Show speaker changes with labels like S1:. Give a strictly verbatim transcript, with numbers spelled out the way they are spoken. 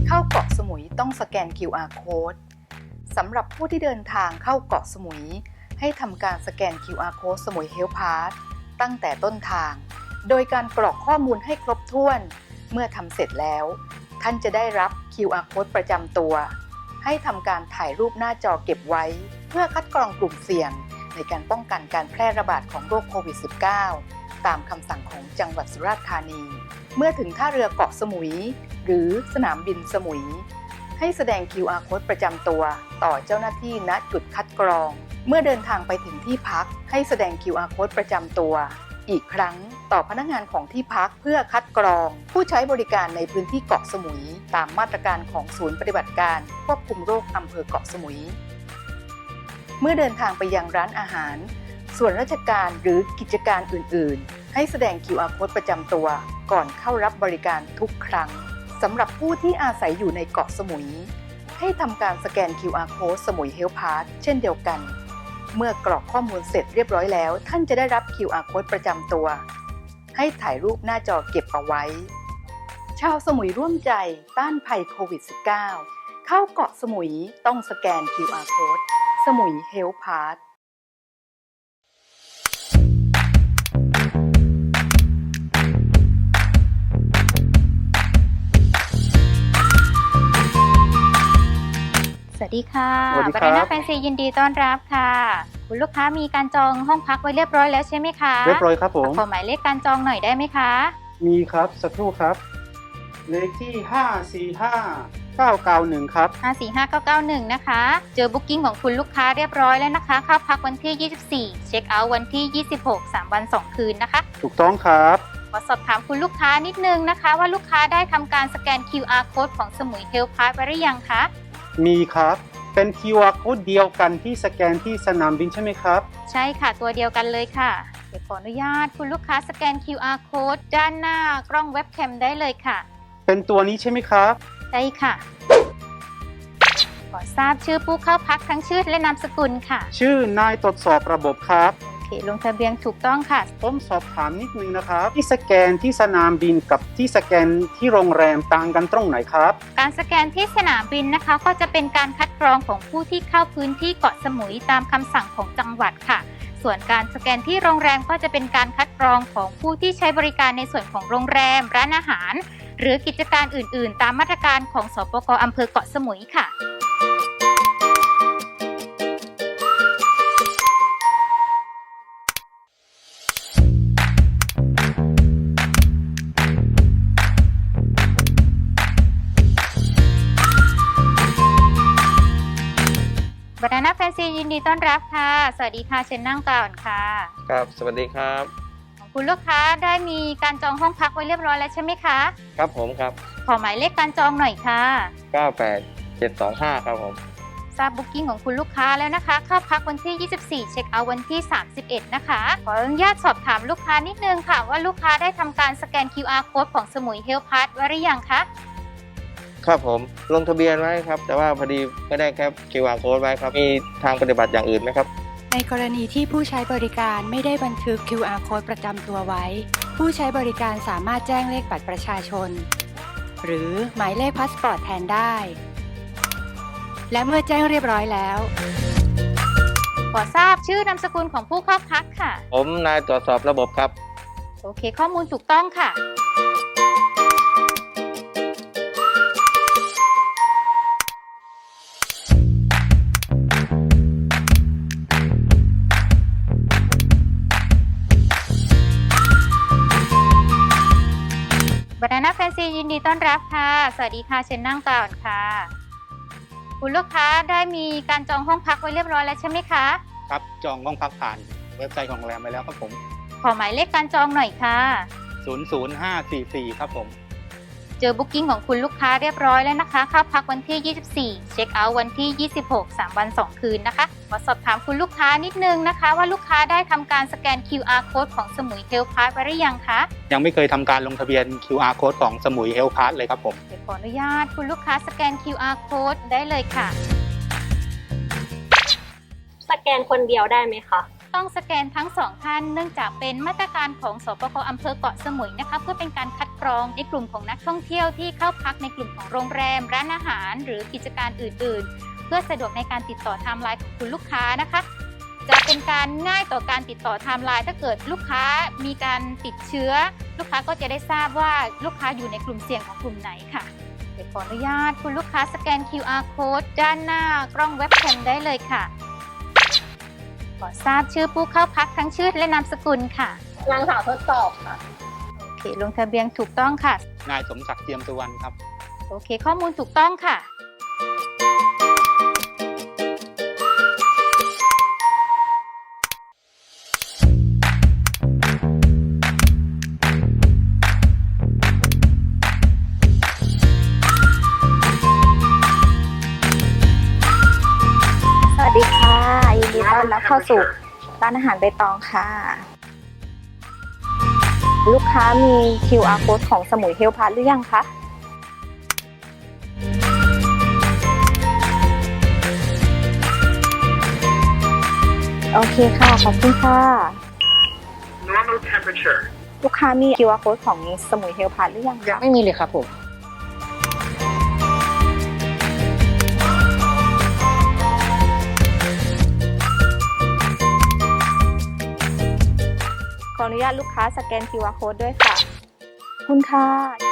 S1: เข้าเกาะสมุยต้องสแกน คิว อาร์ Code สำหรับผู้ที่เดินทางเข้าเกาะสมุยให้ทำการสแกน คิว อาร์ Code สมุย Health Pass ตั้งแต่ต้นทางโดยการกรอกข้อมูลให้ครบถ้วนเมื่อทำเสร็จแล้วท่านจะได้รับ คิว อาร์ Code ประจำตัวให้ทำการถ่ายรูปหน้าจอเก็บไว้เพื่อคัดกรองกลุ่มเสี่ยงในการป้องกันการแพร่ระบาดของโรคโควิด สิบเก้า ตามคำสั่งของจังหวัดสุราษฎร์ธานีเมื่อถึงท่าเรือเกาะสมุยหรือสนามบินสมุยให้แสดง คิว อาร์ Code ประจำตัวต่อเจ้าหน้าที่ณจุดคัดกรองเมื่อเดินทางไปถึงที่พักให้แสดง คิว อาร์ Code ประจำตัวอีกครั้งต่อพนักงานของที่พักเพื่อคัดกรองผู้ใช้บริการในพื้นที่เกาะสมุยตามมาตรการของศูนย์ปฏิบัติการควบคุมโรคอำเภอเกาะสมุยเมื่อเดินทางไปยังร้านอาหารส่วนราชการหรือกิจการอื่นๆให้แสดง คิว อาร์ Code ประจำตัวก่อนเข้ารับบริการทุกครั้งสำหรับผู้ที่อาศัยอยู่ในเกาะสมุยให้ทำการสแกน คิว อาร์ Code สมุย Health Pass เช่นเดียวกันเมื่อกรอกข้อมูลเสร็จเรียบร้อยแล้วท่านจะได้รับ คิว อาร์ Code ประจำตัวให้ถ่ายรูปหน้าจอเก็บเอาไว้ชาวสมุยร่วมใจต้านภัยโควิด สิบเก้า เข้าเกาะสมุยต้องสแกน คิว อาร์ Code สมุย Health Pass
S2: สวัสดีค่ะ
S3: สวัสดีครับ
S2: บานาน่าแฟนซียินดีต้อนรับค่ะคุณลูกค้ามีการจองห้องพักไว้เรียบร้อยแล้วใช่ไหมคะ
S3: เรียบร้อยครับผม
S2: ขอหมายเลขการจองหน่อยได้ไหมคะ
S3: มีครับสักครู่ครับเลขที่ห้า สี่ ห้า เก้า เก้า หนึ่งครับ
S2: ห้า สี่ ห้า เก้า เก้า หนึ่งนะคะเจอบุ๊กิ้งของคุณลูกค้าเรียบร้อยแล้วนะคะเข้าพักวันที่ยี่สิบสี่เช็คเอาท์วันที่ยี่สิบหก สามวันสองคืนนะคะ
S3: ถูกต้องครับ
S2: ขอสอบถามคุณลูกค้านิดนึงนะคะว่าลูกค้าได้ทำการสแกน คิว อาร์ Code ของสมุย Health Pass ไว้หรือยังคะ
S3: มีครับเป็น คิว อาร์ Code เดียวกันที่สแกนที่สนามบินใช่ไหมครับ
S2: ใช่ค่ะตัวเดียวกันเลยค่ะเดี๋ยวขออนุญาตคุณลูกค้าสแกน คิว อาร์ Code ด้านหน้ากล้องเว็บแคมได้เลยค่ะ
S3: เป็นตัวนี้ใช่ไหมครับ
S2: ใช่ค่ะขอทราบชื่อผู้เข้าพักทั้งชื่อและนามสกุลค่ะ
S3: ชื่อนายตรวจสอบระบบครับ
S2: โอเคลงทะเบียนถูกต้องค่ะ
S3: ผมสอบถามนิดนึงนะครับที่สแกนที่สนามบินกับที่สแกนที่โรงแรมต่างกันตรงไหนครับ
S2: การสแกนที่สนามบินนะคะก็จะเป็นการคัดกรองของผู้ที่เข้าพื้นที่เกาะสมุยตามคำสั่งของจังหวัดค่ะส่วนการสแกนที่โรงแรมก็จะเป็นการคัดกรองของผู้ที่ใช้บริการในส่วนของโรงแรมร้านอาหารหรือกิจการอื่นๆตามมาตรการของสปก.อำเภอเกาะสมุยค่ะบานาน่าแฟนซียินดีต้อนรับค่ะสวัสดีค่ะเชิญนั่งก่อนค่ะ
S4: ครับสวัสดีครับ
S2: ของคุณลูกค้าได้มีการจองห้องพักไว้เรียบร้อยแล้วใช่ไหมคะ
S4: ครับผมครับ
S2: ขอหมายเลขการจองหน่อยค่ะ
S4: เก้า แปด เจ็ด สอง ห้าครับผม
S2: ทราบบุ๊กิ้งของคุณลูกค้าแล้วนะคะเข้าพักวันที่ยี่สิบสี่เช็คเอาท์วันที่สามสิบเอ็ดนะคะขออนุญาตสอบถามลูกค้านิดนึงค่ะว่าลูกค้าได้ทำการสแกน คิว อาร์ Code ของสมุย Health Pass ไว้หรือยังคะ
S4: ครับผมลงทะเบียนไว้ครับแต่ว่าพอดีไม่ได้แค่ คิว อาร์ Code ไว้ครับมีทางปฏิบัติอย่างอื่นไหมครับ
S5: ในกรณีที่ผู้ใช้บริการไม่ได้บันทึก คิว อาร์ Code ประจำตัวไว้ผู้ใช้บริการสามารถแจ้งเลขบัตรประชาชนหรือหมายเลขพาสปอร์ตแทนได้และเมื่อแจ้งเรียบร้อยแล้ว
S2: ขอทราบชื่อนามสกุลของผู้เข้าพักค่ะ
S4: ผมนายตรวจสอบระบบครับ
S2: โอเคข้อมูลถูกต้องค่ะบานาน่าแฟนซียินดีต้อนรับค่ะสวัสดีค่ะเชิญนั่งก่อนค่ะคุณลูกค้าได้มีการจองห้องพักไว้เรียบร้อยแล้วใช่ไหมคะ
S3: ครับจองห้องพักผ่านเว็บไซต์ของโรงแรมไปแล้วครับผม
S2: ขอหมายเลขการจองหน่อยค่ะ
S3: ศูนย์ ศูนย์ ห้า สี่ สี่ครับผม
S2: เจอบุ๊กิ้งของคุณลูกค้าเรียบร้อยแล้วนะคะเข้าพักวันที่ยี่สิบสี่เช็คเอาท์วันที่ยี่สิบหก สามวันสองคืนนะคะขอสอบถามคุณลูกค้านิดนึงนะคะว่าลูกค้าได้ทำการสแกน คิว อาร์ Code ของสมุย Health Pass ไว้หรือยังคะ
S3: ยังไม่เคยทำการลงทะเบียน คิว อาร์ Code ของสมุย Health Pass เลยครับผม
S2: เดี๋ยวขออนุญาตคุณลูกค้าสแกน คิว อาร์ Code ได้เลยค่ะ
S6: สแกนคนเดียวได้ไหมคะ
S2: ต้องสแกนทั้งสองท่านเนื่องจากเป็นมาตรการของสปก.อำเภอเกาะสมุยนะคะเพื่อเป็นการคัดกรรองในกลุ่มของนักท่องเที่ยวที่เข้าพักในกลุ่มของโรงแรมร้านอาหารหรือกิจการอื่นๆเพื่อสะดวกในการติดต่อไทม์ไลน์ของคุณลูกค้านะคะจะเป็นการง่ายต่อการติดต่อไทม์ไลน์ถ้าเกิดลูกค้ามีการติดเชื้อลูกค้าก็จะได้ทราบว่าลูกค้าอยู่ในกลุ่มเสี่ยงของกลุ่มไหนค่ะเดี๋ยวขออนุญาตคุณลูกค้าสแกน คิว อาร์ Code ด้านหน้ากล้องเว็บแคมได้เลยค่ะขอทราบชื่อผู้เข้าพักทั้งชื่อและนามสกุลค่ะ
S6: นางสาวทดสอบค่ะ
S2: โอเคลงทะเบียนถูกต้องค่ะ
S3: นายสมศักดิ์เทียมสุวรรณครับ
S2: โอเคข้อมูลถูกต้องค่ะ
S7: สวัสดีค่ะยินดีต้อนรับเข้าสู่ร้านอาหารใบตองค่ะ ลูกค้ามี คิว อาร์ Code ของสมุยเฮลพาร์ทหรือยังคะโอเคค่ะ ขอบคุณค่ะ
S8: normal temperature
S7: ลูกค้ามี คิว อาร์ Code ของสมุยเฮลพาร์ทหรือยังคะ
S9: ไม่มีเลยครับผม
S7: ขออนุญาตลูกค้าสแกน คิว อาร์ Code ด้วยค่ะขอบคุณค่ะ